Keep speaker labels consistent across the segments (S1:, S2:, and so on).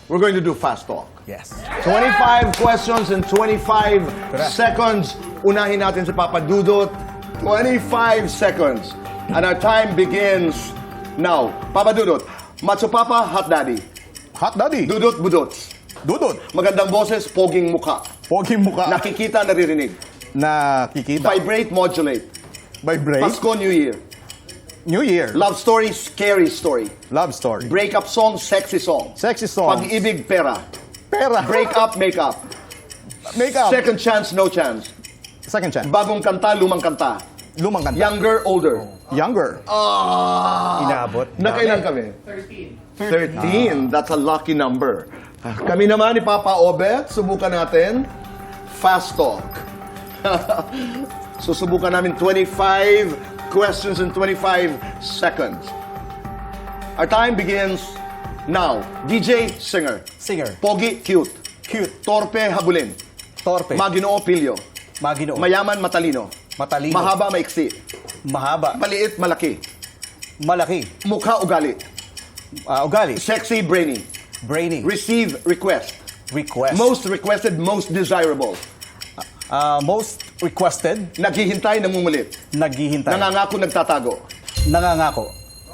S1: we're going to do fast talk.
S2: Yes.
S1: 25 questions in 25 seconds. Unahin natin si Papa Dudut. 25 seconds. And our time begins now. Papa Dudut, Macho Papa, Hot Daddy.
S2: Hot Daddy.
S1: Dudut, Budots.
S2: Dudut.
S1: Magandang boses, poging mukha.
S2: Poging mukha.
S1: Nakikita, naririnig.
S2: Nakikita.
S1: Vibrate, modulate.
S2: Vibrate.
S1: Pasko, New Year.
S2: New Year.
S1: Love story, scary story.
S2: Love story.
S1: Breakup song, sexy song.
S2: Sexy song.
S1: Pag-ibig, pera.
S2: Pera.
S1: Break up, make up.
S2: Makeup.
S1: Second chance, no chance.
S2: Second chance.
S1: Bagong kanta, lumang kanta.
S2: Lumang kanta.
S1: Younger, older.
S2: Younger. Inaabot.
S1: Nakailan kami? 13. That's a lucky number. Kami naman ni Papa Obet, subukan natin. Fast talk. Susubukan namin 25 questions in 25 seconds. Our time begins now. DJ, singer.
S2: Singer.
S1: Pogi, cute.
S2: Cute.
S1: Torpe, habulin.
S2: Torpe.
S1: Maginoo, pilyo.
S2: Maginoo.
S1: Mayaman, matalino.
S2: Matalino.
S1: Mahaba, maiksi.
S2: Mahaba.
S1: Maliit, malaki.
S2: Malaki.
S1: Mukha, ugali.
S2: Ugali.
S1: Sexy, brainy.
S2: Brainy.
S1: Receive, request.
S2: Request.
S1: Most requested, most desirable.
S2: Most requested.
S1: Naghihintay, nangungulit.
S2: Naghihintay.
S1: Nangangako, nagtatago.
S2: Nangangako.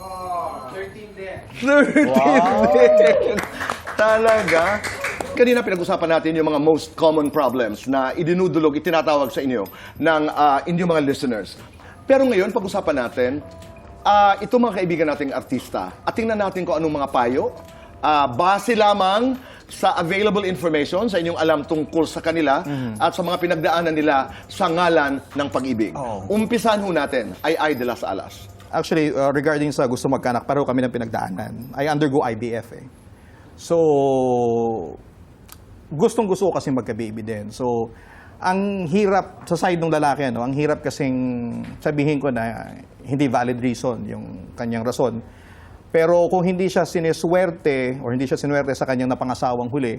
S1: 13 din. Talaga. Kanina pinag-usapan natin yung mga most common problems na idinudulog, itinatawag sa inyo ng inyong mga listeners. Pero ngayon, pag-usapan natin, ito mga kaibigan nating artista, at tingnan natin kung anong mga payo, base lamang sa available information, sa inyong alam tungkol sa kanila, at sa mga pinagdaanan nila sa ngalan ng pag-ibig. Umpisan ho natin ay de las Alas.
S3: Actually, regarding sa gusto magkanak, pareho kami ng pinagdaanan. I undergo IVF eh. So, gustong-gusto ko kasi magka-baby din. So, ang hirap sa side ng lalaki, ano, ang hirap kasing sabihin ko na hindi valid reason yung kanyang rason. Pero kung hindi siya sineswerte or hindi siya sinuwerte sa kanyang napangasawang huli,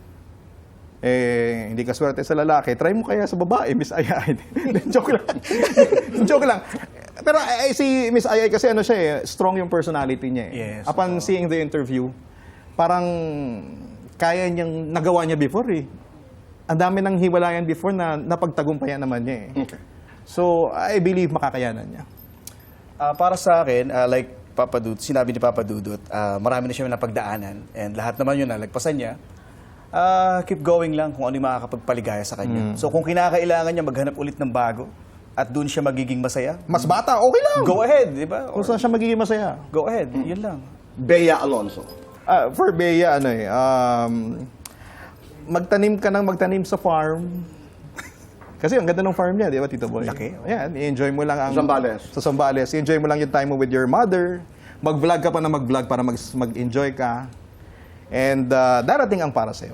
S3: hindi ka swerte sa lalaki, try mo kaya sa babae, Miss Ayay. Joke lang. Joke lang. Pero si Miss Ayay kasi ano siya eh, strong yung personality niya eh.
S2: Yes.
S3: Upon seeing the interview, parang kaya niyang nagawa niya before eh. Ang dami ng hiwalayan before na napagtagumpayan naman niya eh.
S1: Okay.
S3: So, I believe makakayanan niya.
S2: Para sa akin, like Papa Dudut, sinabi ni Papa Dudut, marami na siya napagdaanan and lahat naman yun nalagpasan niya. Keep going lang kung ano yung makakapagpaligaya sa kanya. So kung kinakailangan niya maghanap ulit ng bago at doon siya magiging masaya,
S3: Mas bata, okay lang.
S2: go ahead, di ba?
S3: Kung saan siya magiging masaya.
S2: Go ahead, yun lang.
S1: Bea Alonso.
S3: For Bea, ano eh, magtanim ka ng magtanim sa farm. Kasi ang ganda ng farm niya, di ba, Tito Boy?
S2: Laki.
S3: Ayan, i-enjoy mo lang ang...
S1: Zambales.
S3: Sa Zambales. I-enjoy mo lang yung time mo with your mother. Mag-vlog ka pa na mag-vlog para mag-enjoy ka. And darating ang para sa'yo.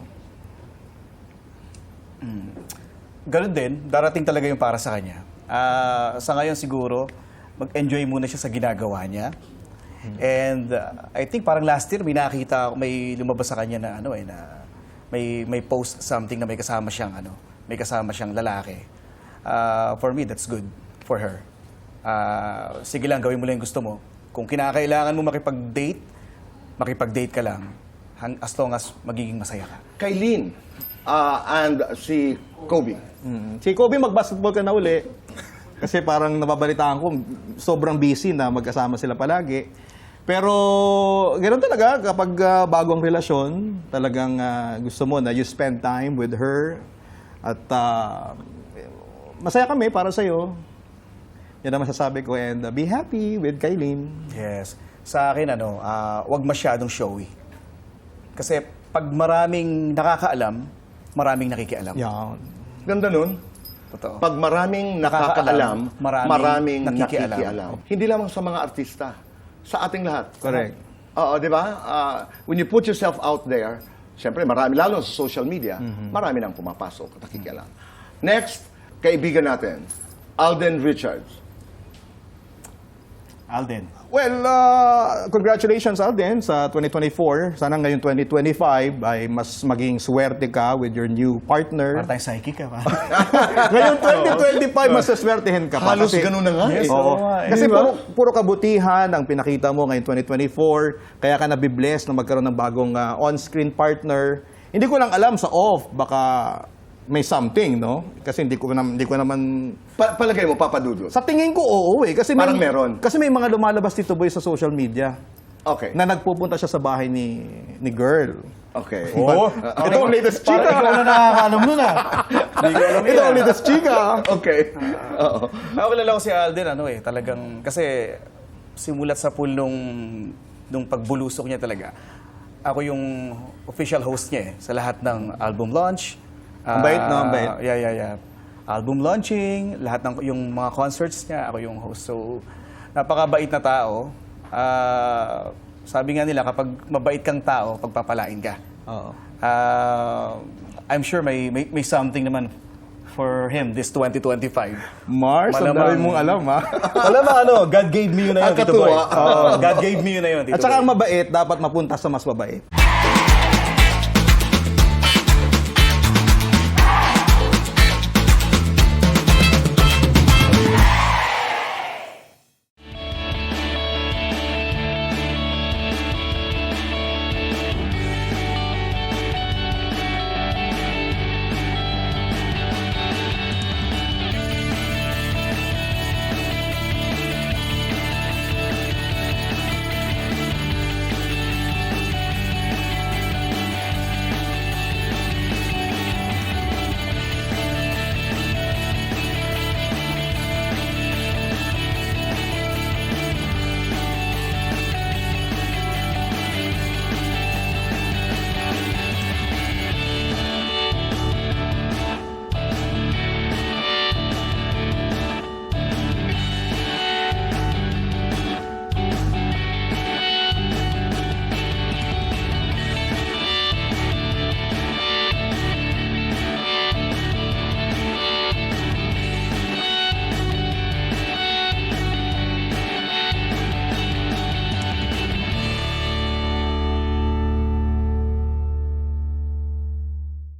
S2: Ganun din, darating talaga yung para sa kanya. Sa ngayon siguro, mag-enjoy muna siya sa ginagawa niya. And I think parang last year may nakita ako, may lumabas sa kanya na ano eh, na may post something na may kasama siyang lalaki. For me, that's good for her. Sige lang, gawin mo lang yung gusto mo. Kung kinakailangan mo makipag-date ka lang as long as magiging masaya ka.
S1: Kailin and si Kobe.
S3: Si Kobe, mag-basketball ka na uli. Kasi parang nababalitaan ko, sobrang busy na magkasama sila palagi. Pero ganoon talaga, kapag bagong relasyon, talagang gusto mo na you spend time with her. At masaya kami para sa'yo. Yan ang masasabi ko. And be happy with Kailin.
S2: Yes. Sa akin, wag masyadong showy. Kasi pag maraming nakakaalam, maraming nakikialam.
S3: Yan.
S1: Ganda nun.
S2: Totoo.
S1: Pag maraming nakakaalam, maraming
S2: nakikialam.
S1: nakikialam. Hindi lamang sa mga artista, sa ating lahat.
S3: Correct.
S1: Oo, di ba? When you put yourself out there, siyempre marami, lalo sa social media, marami nang pumapasok at nakikialam. Next, kaibigan natin, Alden Richards.
S2: Alden.
S3: Well, congratulations Alden sa 2024. Sana ngayon 2025 ay mas maging swerte ka with your new partner.
S2: Para tayong psychic ka pa.
S3: Ngayon 2025, mas saswertehin ka pa.
S1: Halos
S3: Kasi-
S1: ganun na nga.
S2: Yes,
S1: eh.
S2: oo.
S3: Kasi
S1: Di ba?
S3: puro kabutihan ang pinakita mo ngayon 2024. Kaya ka nabibless na magkaroon ng bagong on-screen partner. Hindi ko lang alam sa off, baka may something, no? Kasi hindi ko naman...
S1: Palagay mo, Papa Dudut.
S3: Sa tingin ko, oo eh. Kasi
S1: Parang meron.
S3: Kasi may mga lumalabas dito boy sa social media
S1: Okay.
S3: na nagpupunta siya sa bahay ni girl.
S1: Okay.
S3: Oo. Ito ang latest chika.
S2: Parang ikaw na nakakaalam nun Hindi ko alam
S3: Ito ang latest chika.
S1: Okay. Oo.
S2: Ako kilala ko si Alden, talagang, kasi simulat sa pool nung pagbulusok niya talaga. Ako yung official host niya sa lahat ng album launch.
S3: Ang bait, no? Ang bait.
S2: Yeah. Album launching, lahat ng yung mga concerts niya, ako yung host. So, napakabait na tao. Sabi nga nila, kapag mabait kang tao, pagpapalain ka.
S3: Oo.
S2: I'm sure may something naman for him this 2025.
S3: Mars, ang
S2: Malamang-
S3: dami mong alam, ha?
S2: Alam mo, God gave me yun na yun,
S1: Ang
S2: Tito Boy.
S1: katuwa.
S2: God gave me yun na yun, Tito
S3: At saka
S2: Boy.
S3: ang mabait, dapat mapunta sa mas mabait.